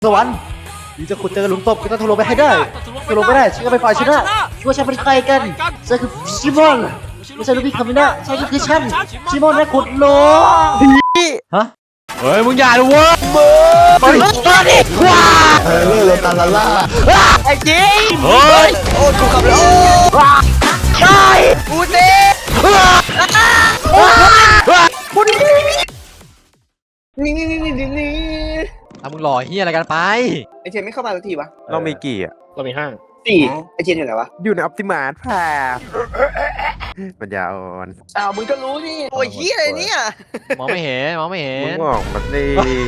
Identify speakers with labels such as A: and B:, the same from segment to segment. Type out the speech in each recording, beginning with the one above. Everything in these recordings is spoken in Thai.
A: สวรรค์ที่จะขุดเจอหลุมศพก็ต้องทะลุไปให้ได้ทะลุไปได้ฉันก็ไปฝ่ายชนะช่วยฉันเป็นใครกันฉันคือชิมอนไม่ใช่ลูกพี่คามินะฉันก็คือฉันชิมอนนะขุดโลฮะเฮ้ยมึงอย่าเลยเว้ยมึงมาดิว้าโลตาลาล่าไอ้จีเฮ้ยโอ้กูกลับแล้วใช่กูเต้นี่มึงหล่อเฮียอะไรกันไป
B: ไอเชนไม่เข้ามาสักทีวะ
C: เรามีกี่อ่ะ
D: เรามี5
B: 4ไอเชนอยู่ไหนวะ
C: อยู่ในออปติมาร์แพร์ปัญญาอ่อน
B: มึงก็รู้นี่โอ้ยเฮียอะไรเนี่ย
A: มองไม่เห็นมองไม่เห็
C: มึ
A: น
C: งออกมาสิ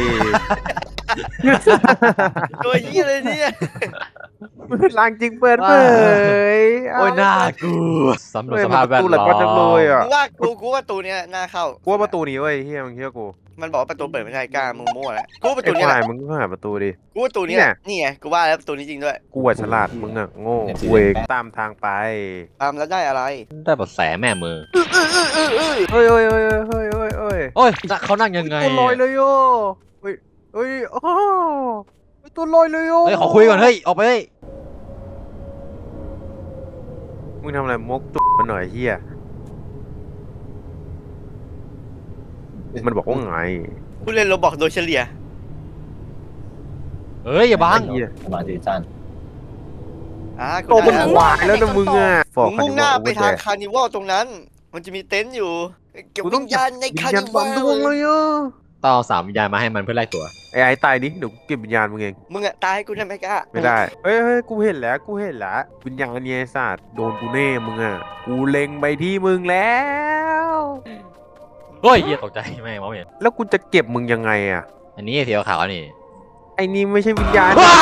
B: ตัวเฮียอะไรเนี่ย
C: ลางจริงเปิดเผย
A: โอ้ยน่ากลัวสำรวจสภาพแวด
C: ตู้ห
A: ล้
C: ลั
A: อ
C: ก็จังเลยอ่ะ
B: มึงว่ากูว่าประตูเนี้ยน่าเข้า
C: กูว่าประตูนี้เว้ยเฮียมึงเชื่อกู
B: มันบอกว่าประตูเปิดไม่ได้กล้ามึงมั่วแล้วกูว่าประ
C: ไอ้
B: ตูเนี้ย
C: ควายมึงก็หาประตูดิ
B: กูว่าประตูนี้นี่ไงกูว่าแล้วประตูนี้จริงด้วย
C: กูอ่ะฉลาดมึงอ่ะโง่เวกตามทางไป
B: ตามแล้วได้อะไร
A: ได้บทแสแม่มือ
C: เฮ้ยเฮ้ยเฮ้ยเฮ้ยเฮ้ยเฮ้ย
A: โอ้ยเขานั่งยังไง
C: ตัวลอยเลยโย่เฮ้ยเฮ้ยโอ้ตัวลอยเลยโย่
A: เฮ้ยขอคุยก่อนเฮ้ยออกไปเฮ้ย
C: มึงทำอะไรมกตุ๊มันหน่อยเฮียมันบอกว่าไง
B: กูเล่นโรบอกโดยเฉลี่ย
A: เฮ้ยอย่าบัง
C: เฮีย
D: มาดีจัน
B: กู
C: โตมัน
B: ได้
C: วายแล้วนะมึงอ่ะ
B: มึงมุ่งหน้าไปทางคาร์นิวัลตรงนั้น มันจะมีเต็นท์อยู่เก็บวิญญาณใน
C: วิญ
B: คาร์
C: ญาณ
B: นิ
C: ควา
B: วั
C: มดวงเล
B: ล
C: ยอ่ะ
A: ต้องเอา3 วิญญาณมาให้มันเพื่อไล่ตัว
C: ไอ้ตายดิเดี๋ยวกูเก็บวิญญาณมึงเอง
B: มึงอะตายให้กูได้ไหมกล้า
C: ไม่ได้เฮ้ยเฮ้ยกูเห็นแล้ววิญญาณเนี่ยไอ้สัตว์โดนกูแน่มึงอ่ะกูเล็งไปที่มึงแล้ว
A: เฮ้ยเฮียตกใจแม่งมองไม่เห็น
C: แล้วกูจะเก็บมึงยังไงอ่ะ
A: อันนี้สีขาวนี่
C: ไอ้นี่ไม่ใช่วิญญาณ
A: ว้าย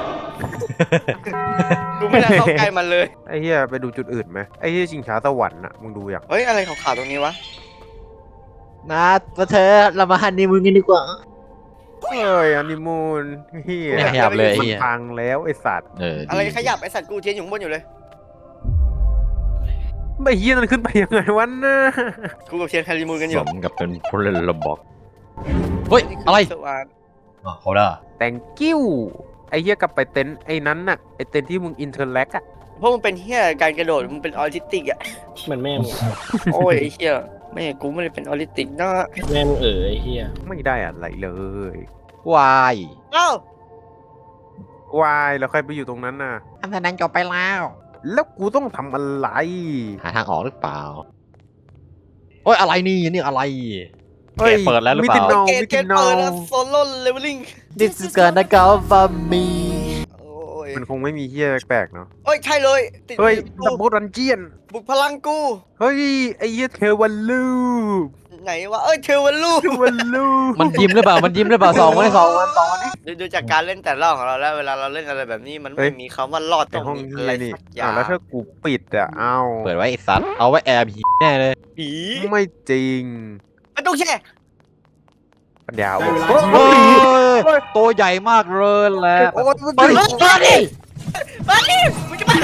B: กูไม่ได้เข้าใกล้มันเลย
C: ไอ้เหี้ยไปดูจุดอื่นไหมไอ้เหี้ยชิงช้าสวรรค์อ่ะมึงดูอย่าง
B: เฮ้ยอะไรขาวๆตรงนี้วะ
A: นะตัวเธอเรามาฮันนีมูนกันดีกว่า
C: เฮ้ยอันนิมูนเหี้ย
A: ไม่ขยับเลยไอ้
C: มัน
A: เหี้ย
C: พังแล้วไอ้สัตว์
B: อะไรขยับไอสัตว์กูเทียนอยู่ข้างบนอยู่เลย
C: ไม่เหี้ยนั่นขึ้นไปยังไงวะน่ะ
B: กูกับเทียนคาริมูนกันอ
A: ส
B: ยู่
A: มกับเป็นผู้เล่นระบอกเฮ้ยอะไร
B: สว่าง
A: เขาได้
C: แต่งกิ้วไอ้เหี้ยกลับไปเต็นท์ไอ้นั้นน่ะไอ้เต็นท์ที่มึงอินเทอร์แลกอ่ะ
B: เพราะมึงเป็นเฮียการกระโดดมึงเป็นออทิสติกอะ
D: เหมือนแม่มึง
B: โอ้ยไอ้เฮียแม่กูไม่ได้เป็นออทิสติกนะ
D: แม่มึงไอ้เฮีย
C: ไม่ได้อะไรเลย
A: วาย
B: เอ้าว
C: ายแล้วใครไปอยู่ตรงนั้นน่ะ
A: อันนั้นจบไปแล้ว
C: แล้วกูต้องทำอะไร
A: หาทางออกหรือเปล่าโอ้ยอะไรนี่อะไร
C: เฮ้ย
A: เปิดแล้วหรือเปล่า
C: มิตินอ
B: เก
C: มิ
B: ตเก
C: ติ
B: ต
C: นอ
B: เปิดแล้วโซโล่เลเวลลิ่ง
A: This is gonna go for me
B: โอ้ย
C: มันคงไม่มีเหี้ยแปลกๆเนาะ
B: โอ้ยใช่เลยติด
C: เฮ้ย
B: กู
C: ดับเบิลดันเจียน
B: บุกพลังกู
C: เฮ้ยไอ้เหี้ยเทวันลูป
B: ไหนวะเอ้ยเทวันลู
C: เทวันลูป
A: มันยิ้มหรือเปล่ามันยิ้มหรือเปล่า2 วัน
B: ดูจากการเล่นแต่ละรอบของเราแล้วเวลาเราเล่นอะไรแบบนี้มันไม่มีคำว่ารอดต
C: ใน
B: รง
C: ห้อง
B: นี้
C: เฮี
B: อะไร
C: ยนี่
B: สักอย่า
C: แล้ว
B: ง
C: ถ้ากูปิดอ่ะเอ้า
A: เปิดไว้ไอ้สัตว์เอาไว้แอบผีแน่เลย
B: ผี
C: ไม่จริง
B: ไม่ต้องแช่
C: ปัญญาอ่อน
A: เฮ้ยตัวใหญ่มากเลยแหละ
C: โอ้ย
A: เฮ้ยมาดิ
B: มาดิมึงจะมา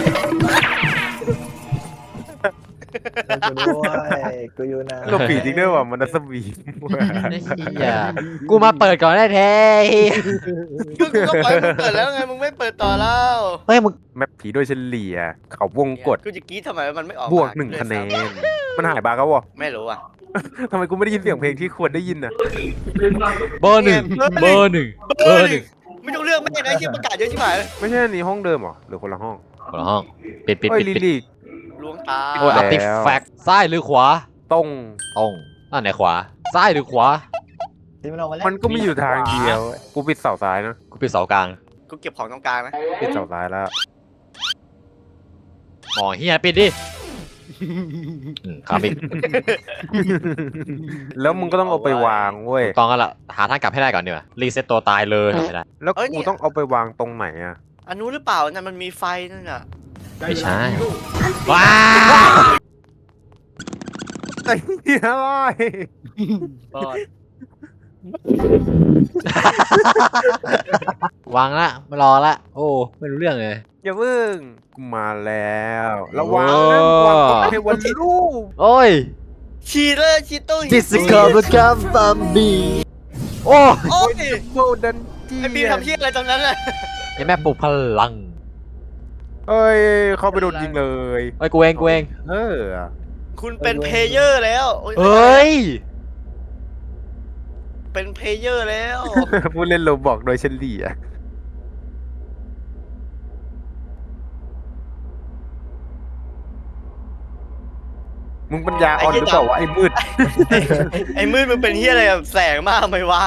D: กูอยู่นะ
C: เราปีจริงด้วยว่ะมันนัสบี
A: เฮียกูมาเปิดก่อนได้แท้
B: คือกูก็ปล่อยมึงเปิดแล้วไงมึงไม่เปิดต่อแล้ว
A: เฮ้ยมึง
C: แมปผีโดยเฉลี่ยเขาวงกด
B: กูจะกรี๊ดทำไมมันไม่ออก
C: บวก
B: มา
C: 1 คะแนน มันหายบาร์เขาวะ
B: ไม่รู้อ่ะ
C: ทำไมกูไม่ได้ยินเสียงเพลงที่ควรได้ยินอ่ะ
A: เบอร์ 1เบอร์ 1เบอร์ 1
B: ไม่ต้องเลือกไม่ได้ที่ประกาศเยอะชิบหายเลย
C: ไม่ใช่อันนี้ห้องเดิมเหรอหรือคนละห้อง
A: คนละห้องปิด
C: เฮ้ยลิ
A: ปิด
C: ลี่
B: ล้วงตา
A: โอ้ยอัพติแฟกซ้ายหรือขวา
C: ตรง
A: ตรงอันไหนขวาซ้ายหรือขวา
C: มันก็มีอยู่ทางเดียว กูปิดเสาซ้ายนะ
A: กูปิดเสากลาง
B: กูเก็บของตรงกลางนะ
C: ปิดเสาซ้ายแล้ว
A: หมอเฮียปิดดิครับปิด
C: แล้วมึงก็ต้องเอาไปวางเว้ย
A: ต้องกันละหาทางกลับให้ได้ก่อนดีกว่ารีเซ็ตตัวตายเลยไม่ได้
C: แล้วกูต้องเอาไปวางตรงไหนอ่ะ
B: อันนู้นหรือเปล่านั่นมันมีไฟนั่นน่ะ
A: ไม่ใช่ว้า
C: ไอ้เหี้ยอะไร
A: วางละไม่รอละโอ้ไม่รู้เรื่องเลย
C: อย่าเพิ่งกูมาแล้วระวังนะวางเทวันลูก
A: โอ้ย
B: ฉีดเลยฉีดตู้
A: This is gonna come from me โอ้
B: โอ้ย
C: โกลเด้นจี้
B: ไอ้บีมทำเหี้ยอะไรตรงนั้นน่ะ
E: ไอ้แม่ปลุกพลัง
C: เอ้ยเขาไปโดนยิงเลย
E: ไอ้ยกูเอง
C: เออ
B: คุณเป็นเพลเยอร์แล้วโอ้ย
E: เอ้ย
B: เป็นเพลเยอร์แล้ว
C: ผู้เล่นโรบอกโดยเฉลี่ยมึงปัญญาอ่อนหรือเปล่าวะไอ้มืด
B: ไอ้มืดมันเป็นเหี้ยอะไรแบบแสงมากไหมวะ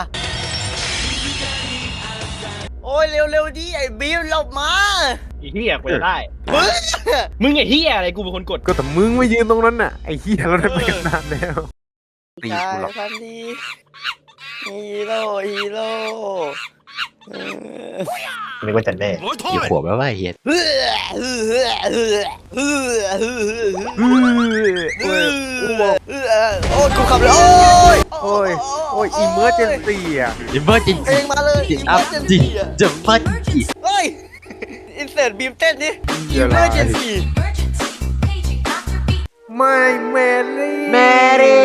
B: โอ้ยเร็วๆดิไอ้บีมหลบมา
D: ไอ้เฮียกูจะได้
B: มึง
D: มึงไอ้เฮียอะไรกูเป็นคนกด
C: ก็แต่มึงไม่ยืนตรงนั้นน่ะไอ้เหี้ยเราได้ไปกันนานแล้ว ตี
B: ใช่
C: กูหรอก
B: พันดีฮีโร่เออ
D: นึกว่าจะแน่
E: กี่ขวบแล้ววะไอ้เฮีย
B: เฮ้ยเฮ้ยเฮ้ยเฮ้ยเฮ้ยเฮ้ย
C: เฮ้ย
B: โอ้ยกูขับเลยโอ้ย
C: โอ้ยอีเมอร์เจนซี่อ่ะ
E: อิมเมอร์จริง
B: เพลงมาเลย
E: จริงอัพจริงจะมาจริง
B: เฮ้ยอินเสิร์ตบีมเต้นนี่
C: เดี๋ยว
B: เม
C: นะ
B: อร์เจนซี่
C: ไม่แมรี่
E: แมรี่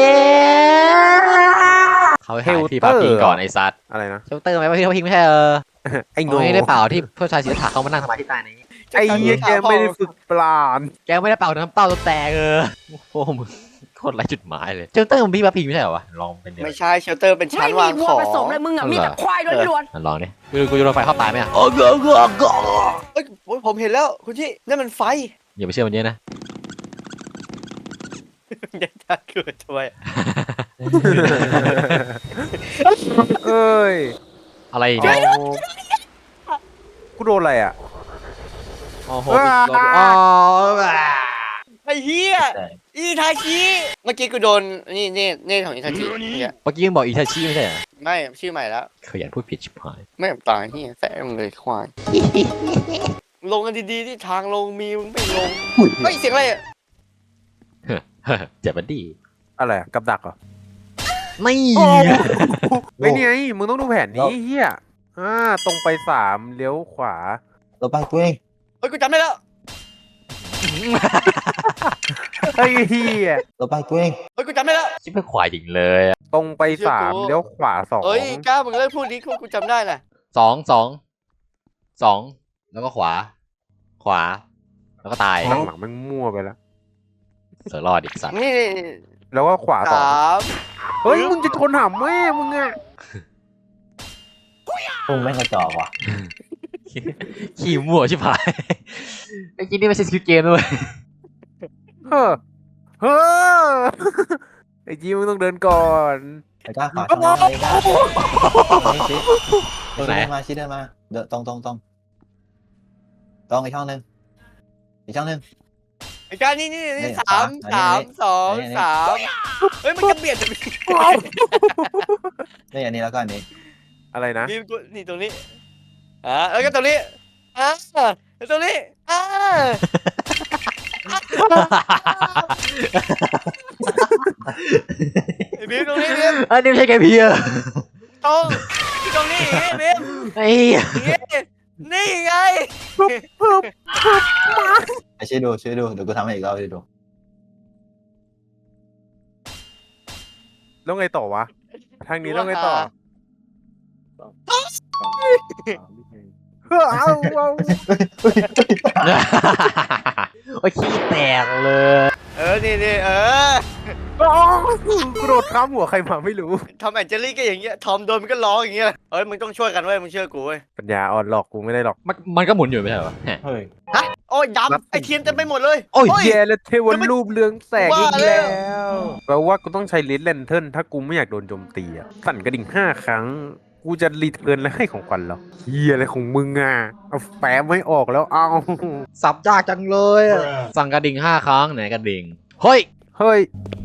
E: เขาไปหาพี่ปาพิงก่อนไอ้สัตว์
C: อะไรนะ
E: เชลเตอร์ไหมว่าพี่เขาพิงไม่ใช่
C: ไอ้โง่
E: ไม่ได้เปล่าที่ผู้ชายศิลปะเขามานั่งสมาธิใต้นี้
C: ไอ้เหี้ยแกไม่ได้ฝึกปราณ
E: แกไม่ได้เป่าน้ำเต้าตัวแตกโอ้โหมึงโคตรไร้จุดหมายเลยเชลเตอร์มันพี่ปาพิงไม่ใช่เหรอวะลองเป็นเดี๋ยว
B: ไม่ใช่เชลเตอร์เป็นชั้นวาง
F: ไม่มีวั
B: ข
F: ว
B: อง
F: ผสมเลยมึงอ่ะมีแต่ควายล้วน
E: ลองดิกูจะโดนไฟเข้าตายไหมอ่ะ
B: เอ้ยโอ้ยผมเห็นแล้วคุณที่นั่นมันไฟ
E: อย่าไปเชื่อมันเยอะนะ
B: อย่าทักเกิดทำไม
C: เอ้ย
E: อะไร
C: อ๋
E: เนี่ย
C: อกูโดนอะไรอ่ะ
E: โอ้โห
C: ว้า
B: ไอ้เหี้ยอีทาชิเมื่อกี้กูโดนนี่ของอีทาชิเนี่ย
E: เมื่อกี้ยังบอกอิทาชิไม่ใช่เหรอ
B: ไม่ชื่อใหม่แล้ว
E: ขยันพูดผิดชิบหาย
B: ไม่ตายเหี้ยแสงเลยควายลงกันดีๆที่ทางลงมีมึงไม่ลงเฮ้ยเสียงอะไรอ่ะ
E: เจ็บบันดี
C: อะไรอะกับดักเหรอ
E: ไม่
C: ไอ้นี่ไงมึงต้องดูแผนนี้เฮียตรงไป3เลี้ยวขวา
D: เราไปตัวเอง
B: เฮ้ยกูจำได้แล้ว
C: ไอ้เฮีย
D: เราไปตัวเอง
B: เฮ้ยกูจำได้แล้ว
E: ชิบเป็นควายจริงเลยอะ
C: ตรงไป3เลี้ยวขวา2
B: เฮ้ยกล้ามึงเลิกพูดดิกูจำได้น่ะ
E: สองแล้วก็ขวา แล้วก็ตาย
C: หลังๆมันมั่วไปแล้ว
E: เสือรอดอีกสัตว์
B: นี่
C: แล้วก็ขวา2
B: 3
C: เฮ้ยมึงจะชนหามแม่มึงอะ
D: พวกแม่งกระจอกว่ะ
E: ขี่มั่วชิบหายไอ้กินนี่ไม่ใช่สกิลเกมด้วย
C: เฮ้อเฮ้อไอ้จีมึงต้องเดินก่อน
D: ไอ้ก้าขวาทำไมไอ้ก้าชิด
E: ตรงไหน
D: เดินมาชิดเดินมาเดินตรงอีกช่องหนึ่ง
B: ไอ้กล้านี่
D: นี่
B: 3 2 3เฮ้ยมันจะเบียด
D: นี่อันนี้แล้วก็อันนี้
C: อะไรนะ
B: บีมกูนี่ตรงนี้แล้วก็ตรงนี้แล้วตรงนี้ไอ้บีมตรงนี้บีม
E: อันนี้ไม่ใช่แกเพีย
B: ตรงนี้บีม
E: ไอ้
B: นี่ไง
D: ไอ้ช่วยดูเดี๋ยวกูทำให้อีกรอบช่วยดู
C: แล้วไงต่อวะ ทางนี้แล้วไงต่อเฮ้อเอา
E: โอ้ยขี้แตกเลย
B: นี่
C: กระโดดข้ามหัวใครมาไม่รู้
B: ทอมแอนเจอรี่ก็อย่างเงี้ยทอมโดนมันก็ร้องอย่างเงี้ยเฮ้ยมึงต้องช่วยกันเว้ยมึงเชื่อกูเว้ย
C: ปัญญาอ่อนหลอกกูไม่ได้หรอก
E: มันก็หมุนอยู่ไม่ใช่เหรอ
D: เฮ้ย
B: โอ้ยดำไอเทียนเต็มไปหมดเลย
C: โอ้ยแย่แล้วเทวันรูปเรืองแสงอีก
B: ว่าแล้
C: แล้ว วแปลว่ากูต้องใช้ลิสแลนเทิร์นถ้ากูไม่อยากโดนโจมตีอ่ะสั่นกระดิ่ง5 ครั้ง กูจะรีเทิร์นและให้ของขวัญเหรอเฮียอะไรของมึงอ่ะเอาแปมไม่ออกแล้วเอา
E: สับยากจังเลยอะสั่งกระดิ่ง5 ครั้งไหนกระดิ่งเฮ้ย
C: เฮ้ย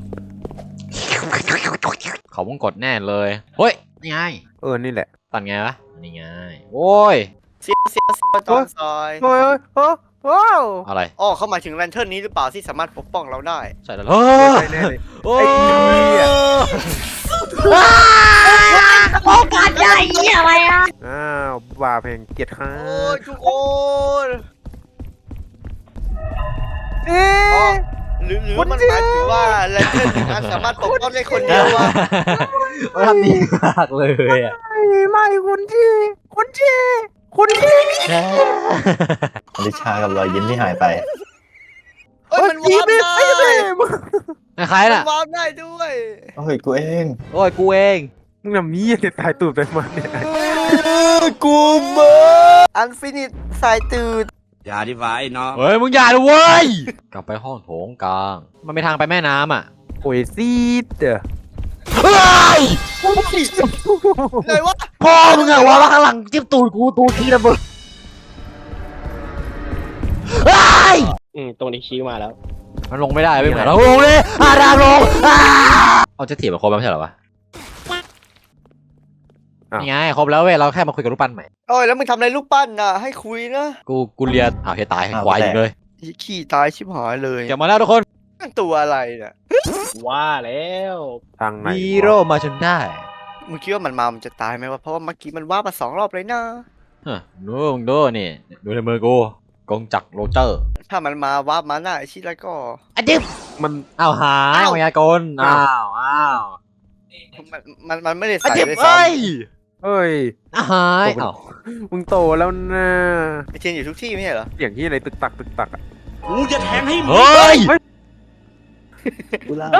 E: เขาวงกดแน่เลยเฮ้ยนี่ไง
C: นี่แหละ
E: ตัดไงวะนี่ไงโอ้ย
B: เสียตอนซอย
C: เฮ้ยโอ้
E: อะไร
B: อ๋อเขาหมายถึงแลนเทิร์นนี้หรือเปล่าที่สามารถปกป้องเราได้
E: ใช่แล้วเฮ้ย
C: แน่เลย
E: โอ้
C: ไอ้เหี้ย
F: โอกาสใหญ่เหี้ยอะไรอ่ะ
C: อ้าวบาเพลงเกียรติค่ะ
B: โอ้ยทุกคน
C: เอ๊ะ
B: หรือมันหมายถึงว่าแลนเทิร์นนี้สามารถปกป้องได้คนเดียววะ
E: ทำดีมากเลยอ่ะ
C: ไม่คุณชี
D: อลิชากับรอยยิ้มที่หายไป
B: เอ้ยมันวาร์ปได้
E: ใคร
B: มั
E: น่ะ
B: นวาร์ปได้ด้วย
D: โอ้ยกูเอง
E: โอ้ยกูเอง
C: มึงน่ะมีอะไรตายตูดไปมาเนี่ย
B: กูเบออันฟินิตสายตืด
E: เฮ้ยมึงอย่าเลยเว้ยกลับไปห้องโถงกลางมันไม่ทางไปแม่น้ำอ่ะ
C: โอ้ยซีดเด้อ
E: เฮ้ย
B: เลยวะ
E: พ่อมึงอะวะข้างหลังจิ้มตูดกูตูดทีระเบิดเฮ้ย
G: ตรงนี้ชี้มาแล้ว
E: มันลงไม่ได้ไม่เหมือนเราลงเลยดามลงเอาจะเถียบมาครบแล้วไม่ใช่เหรอวะนี่ไงครบแล้วเว้ยเราแค่มาคุยกับรูปปั้นใหม่
B: โอ้ยแล้วมึงทำอะไรลูกปั้นน่ะให้คุยนะ
E: กูเรียนเฮียตายควายอยู่เลย
B: ขี้ตายชิบหายเลย
E: เก็บมาแล้วทุกคน
B: นั่นตัวอะไรเนี่ย
G: ว่าแล้ว
C: ทางไหน
E: ฮีโร่มาจนได้
B: มึงคิดว่ามันมามันจะตายไหมวะเพราะว่าเมื่อกี้มันว่ามา2 รอบเลยนะ
E: ดูมึงดูนี่ดูในมือกูกงจักรโรเจอร์
B: ถ้ามันมาว่ามาหน้าไอชิแล้วก็
E: อะดิบ
C: มัน
E: อ้าวหาย
B: อ้าว
E: มายากลอ้าว
B: มันไม่ได้
E: อะ
B: ใส่
E: ดิบ
B: เลยซ้
E: เอ้ย
C: เอ้ย
E: หายอ้าว
C: มึงโตแล้วนะ
B: ำไอเจนอยู่ทุกที่ไม่ใช่เหรอ
C: อย่างที่อะไรตึกตักอะ
E: เฮ้ย
D: กูลา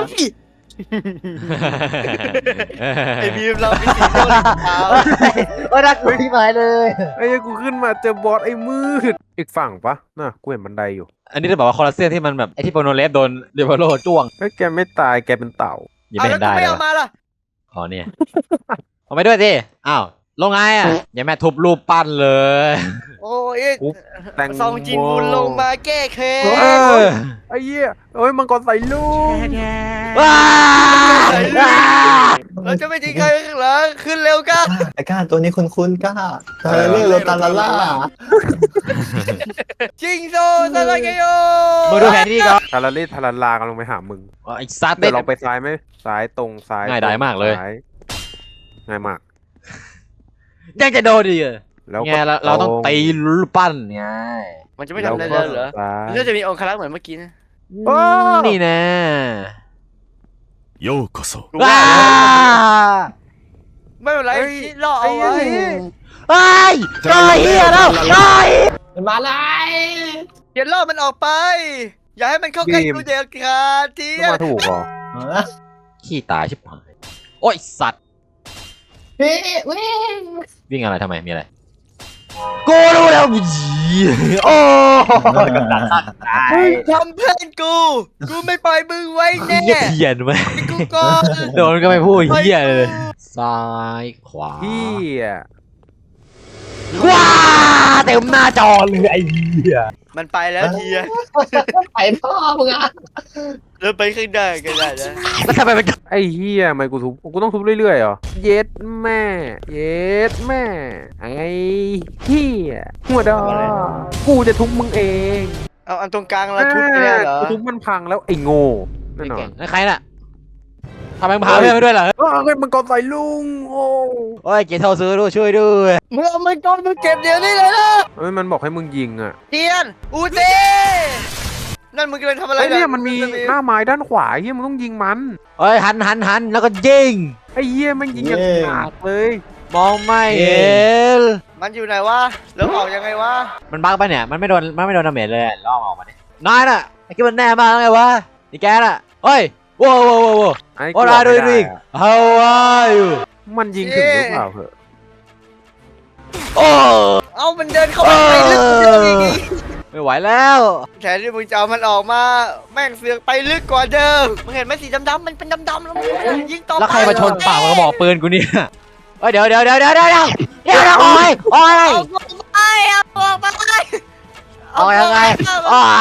B: ไอบีมเราไปสีโดนขาว
A: โอ้ยน่ากลัวที่หมายเลย
C: ไอ้ยกูขึ้นมาเจอบอสไอ้มืดอีกฝั่งปะน่ะกูเห็นบันไดอยู่
E: อันนี้จะบอกว่าคอลลาเซียนที่มันแบบไอที่โปรโนเลสโดนเดวโลจ้วง
C: เฮ้ยแกไม่ตายแกเป็นเต่า
E: ยัง
B: เอา
E: ไม่
B: แล้
E: เห็
B: วน กู
E: ได้
B: ไม่
E: เลย
B: เอามาล่ะ
E: อ๋อเนี่ยเอาไปด้วยสิอ้าวลงไงอ่ะอย่าแม่ทุบรูปปั้นเลย
B: โอ้ย
C: ปุ๊บแตง
B: ซองจินวุนลงมาแก้แค้
C: เอน อไอ้เหี้ยเอ้ยมังกรใส่ลูก
E: ว้า
B: เราจะไม่ทิ้งใครไว้ข้างหลังขึ้นเร็วกัน
D: ไอ้ก้าตัวนี้คุ้นๆก้าตาเล่โรตาลาล่า
B: จิงโซซาลาเกโย
E: มึงดูแผนที่ก่อน
C: ทาราเล่ทาราลากำลังไปหามึง
E: ไอ้ซัดเต้
C: เดี๋ยวเราไปซ้ายไหมซ้ายตรงซ้าย
E: ง่ายดายมากเลย
C: ซ้ง่ายมาก
E: ยังจะโดนดีก
C: แล้ว
E: ไงเราต้องตีรูปปั้นไง
B: มันจะไม่ทำอะไรเลยเหรอ
C: ซ้าย
B: มันก็จะมีองคลักษ์เหมือนเมื่อกี้นะ
E: นี่นะ
H: ようこそ
B: กูว่าไม่เป็นไรชิรอเอาไว้
E: เฮ้ยไอ้เหี้ยแล้วไอ้
F: มาเลย
B: เดี๋ยวล่อมันออกไป อย่าให้มันเข้าใกล้กูเด็กขาดที
C: ต้องมาถูกเหรอ
E: ขี้ตายชิบหายโอ้ยสัตว์
F: เฮ้ยเว้ย
E: วิ่งอะไรทำไมมีอะไรกูรู้แล้วโอ้ยกับดักข้างตาย
B: ทำเพื่อนกู กูไม่ปล่อยมึงไว้แน่
E: เหี้ยเทียนไหม
B: กูก่อน
E: โดนก็ไม่พูดเหี้ยเลยซ้ายขวา
C: เหี้ย
E: ว้าเต็มหน้าจอเลยไอ้เหี้ย
B: มันไปแล้วทีอะ
F: ไปพ่อมึงอ่ะ
B: เริ่มไปข้างหน้ากันได้นะ
E: แล้วทำไมมัน
C: ไอ้เหี้ยทำไมกูทุบกูต้องทุบเรื่อยๆเหรอเย็ดแม่เย็ดแม่ไอ้เหี้ยหัวดอกูจะทุบมึงเอง
B: เอาอันตรงกลางเราทุบไปแล้วเหรอ
C: กูทุบมันพังแล้วไอ้โง่แน่นอน
E: ใครน่ะทำไมมึงพาเพื่อนไปด้วยล่ะ
C: เฮ้ยมันกอใส่ลุงโอ้
E: โอ้ยเกียร์เท่าซื้อด้วยช่วยด้วย
B: มึงเอามันก่อนมึงเก็บเดี๋ยวนี้เลยนะ
C: เฮ้ยมันบอกให้มึงยิงอ่ะ
B: เทียนอูเต้นั่นมึงกำลังทำอะไร
C: ไอ้เนี่ยมันมีหน้าไม้ด้านขวาเฮียมึงต้องยิงมัน
E: เอ้ยหันแล้วก็ยิง
C: ไอ้เฮียมันยิงอย่างขาดเลย
E: มองไม่เห็น
B: มันอยู่ไหนวะแล้วออกยังไงวะ
E: มันบักไปเนี่ยมันไม่โดนดาเมจเลยล่อมาออกมาดินายน่ะไอ้คิดมันแน่มากไงวะนี่แกน่ะเฮ้ยโว้ว
C: ไอ้
E: What are you doing How are you
C: มันยิงถึงหรือเปล่าเหอะ
E: โอ้
B: เอามันเดินเข้าไปลึกเดินอีก
E: ไม่ไหวแล้ว
B: แทนที่มึงจะเอามันออกมาแม่งเสือกไปลึกกว่าเดิมมึงเห็นไหมสีดำๆมันเป็นดำๆแล้วมึงยิงต่อไป
E: แล้วใครมาชนปากกระบอกปืนกูเนี่ยเฮ้ยเดี๋ยวโอ้ยโอ้ย
B: เอาออกไป
E: เอายังไงโอ้ย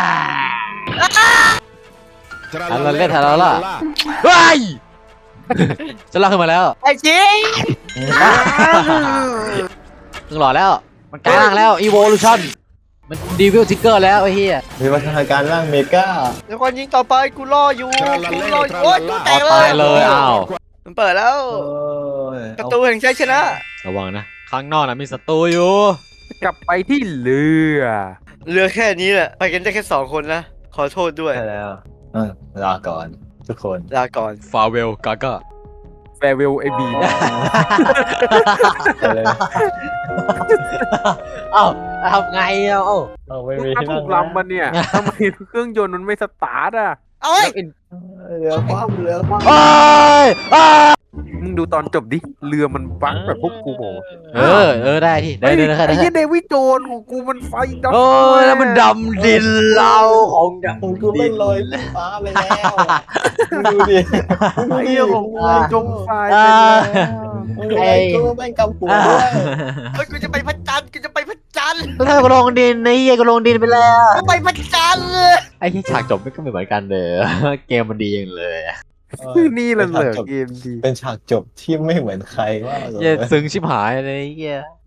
E: ทันละเล่นทันละล่ะเฮ้ยจะลากขึ้นมาแล้ว
B: ไอ้จริง
E: มึงหล่อแล้วมันกลายร่างแล้ว Evolution มันดีวิลทิกเกอร์แล้วไอ้เหี้ย
D: มีวัฒนาการร่างเมกา
B: เดี๋ยวก่อนยิงต่อไปกูรออยู่โอ๊ยตู้แต
E: เอา
B: กเล
E: ตาย ยเลยอ้าว
B: มันเปิดแล้ว
D: โอ้ย
B: ประตูแห่งชัยชนะ
E: ระวังนะข้างนอกนะมีศัตรูอยู่
C: กลับไปที่เรือ
B: เรือแค่นี้แหละไปกันได้แค่2 คนนะขอโทษด้วย
D: ใช่แล้วลาก่อนทุกคน
B: ลาก่อน
E: ฟาเวลกาก้า
C: แฟร์เวลไอบี
E: เอ้าทำไงเอ้า
D: เอาไม่
C: มึ
D: มี
C: งมา
D: ที่
C: ถู
D: นั่ง
C: กลำมันเนี่ยทำไมเครื่องยนต์มันไม่สตาร์ทอ่ะ
B: เอ้ย
F: เหลือความเหลือความ
E: โอ้ยอ้า
C: มึงดูตอนจบดิเรือมันบังแบบพวกกูบอก
E: ได้ที่ได้
C: ไอ้
E: ได้ได้
C: ไอ้เหี้ยเดวิดโจนส์ของกูมันไฟดำ
E: โอ้ยแล้วมันดำดินเราของดำ
F: ผมกูไม่ลอยขึ้นฟ้าไปแล้วดูดิ
C: ไอ้เหี้ยของกูจมไฟไป
E: อ่า
C: แล้ว
F: ไอ้กูแม่งกำหัวด้วย
B: เฮ้ยกูจะไปพระจันทร์กูจะไปพระจันทร์
A: แล้วถ้ากูลงดินไอ้เหี้ยกูลงดินไปแล้ว
B: กูไปพระจันทร์เลย
E: ไอ้ที่ฉากจบไม่ก็ไม่เหมือนกันเลย เกมมันดีอย่างเลย
C: นี่แหละเหลือเกมดี
F: เป็นฉากจบที่ไม่เหมือนใครว่า
E: เหี้ยซึ้งชิบหายเลยไอ้เหี้ย